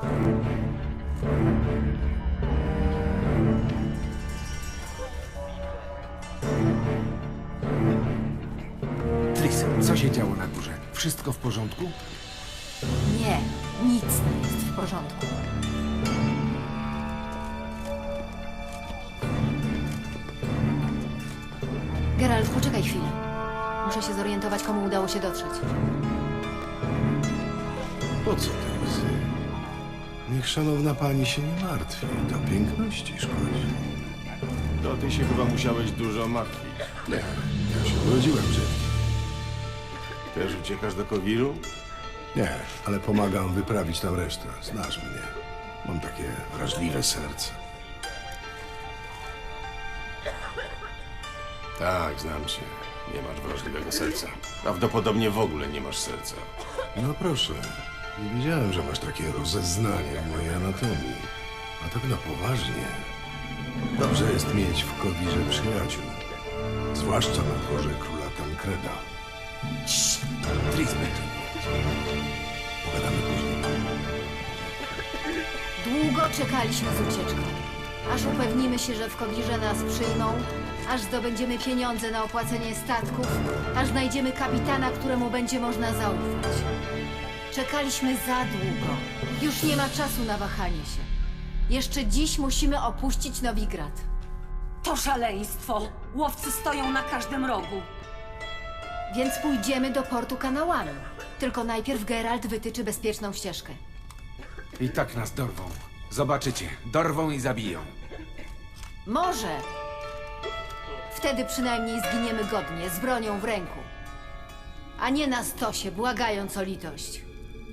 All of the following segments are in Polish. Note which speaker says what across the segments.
Speaker 1: Tris, co się działo na górze? Wszystko w porządku?
Speaker 2: Nie, nic nie jest w porządku. Geralt, poczekaj chwilę. Muszę się zorientować, komu udało się dotrzeć.
Speaker 3: Po co te łzy? Niech szanowna pani się nie martwi. Do piękności szkodzi.
Speaker 4: To ty się chyba musiałeś dużo martwić.
Speaker 3: Nie, ja się urodziłem brzydki.
Speaker 4: Też uciekasz do Kowiru?
Speaker 3: Nie, ale pomagam wyprawić tam resztę. Znasz mnie. Mam takie wrażliwe serce.
Speaker 4: Tak, znam cię. Nie masz wrażliwego serca. Prawdopodobnie w ogóle nie masz serca.
Speaker 3: No proszę. Nie wiedziałem, że masz takie rozeznanie w mojej anatomii. A tak na poważnie. Dobrze jest mieć w Kowirze przyjaciół. Zwłaszcza na dworze króla Tankreda.
Speaker 1: Tris będzie.
Speaker 3: Pogadamy później.
Speaker 2: Długo czekaliśmy z ucieczką. Aż upewnimy się, że w Kowirze nas przyjmą, aż zdobędziemy pieniądze na opłacenie statków, aż znajdziemy kapitana, któremu będzie można zaufać. Czekaliśmy za długo. Już nie ma czasu na wahanie się. Jeszcze dziś musimy opuścić Nowigrad.
Speaker 5: To szaleństwo! Łowcy stoją na każdym rogu.
Speaker 2: Więc pójdziemy do portu kanałami. Tylko najpierw Geralt wytyczy bezpieczną ścieżkę.
Speaker 1: I tak nas dorwą. Zobaczycie, dorwą i zabiją.
Speaker 2: Może! Wtedy przynajmniej zginiemy godnie, z bronią w ręku. A nie na stosie, błagając o litość.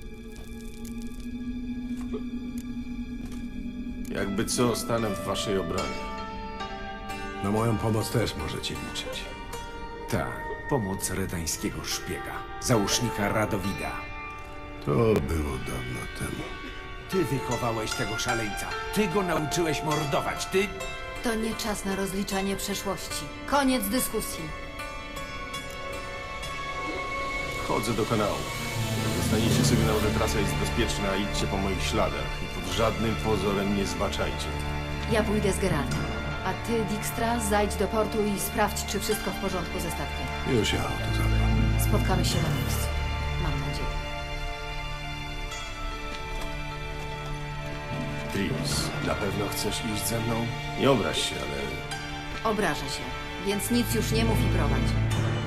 Speaker 4: Jakby co, stanę w waszej obronie.
Speaker 3: Na moją pomoc też możecie liczyć.
Speaker 1: Tak, pomoc redańskiego szpiega, załóżnika Radowida.
Speaker 3: To było dawno temu.
Speaker 1: Ty wychowałeś tego szaleńca. Ty go nauczyłeś mordować. Ty...
Speaker 2: To nie czas na rozliczanie przeszłości. Koniec dyskusji.
Speaker 4: Wchodzę do kanału. Jak dostaniecie sygnał, że trasa jest bezpieczna, idźcie po moich śladach i pod żadnym pozorem nie zbaczajcie.
Speaker 2: Ja pójdę z Geraltem. A ty, Dijkstra, zajdź do portu i sprawdź, czy wszystko w porządku ze statkiem.
Speaker 3: Już ja o to zadbam.
Speaker 2: Spotkamy się na miejscu. Mam nadzieję.
Speaker 4: Tris, na pewno chcesz iść ze mną? Nie obraź się, ale
Speaker 2: Obraża się, więc nic już nie mów i prowadź.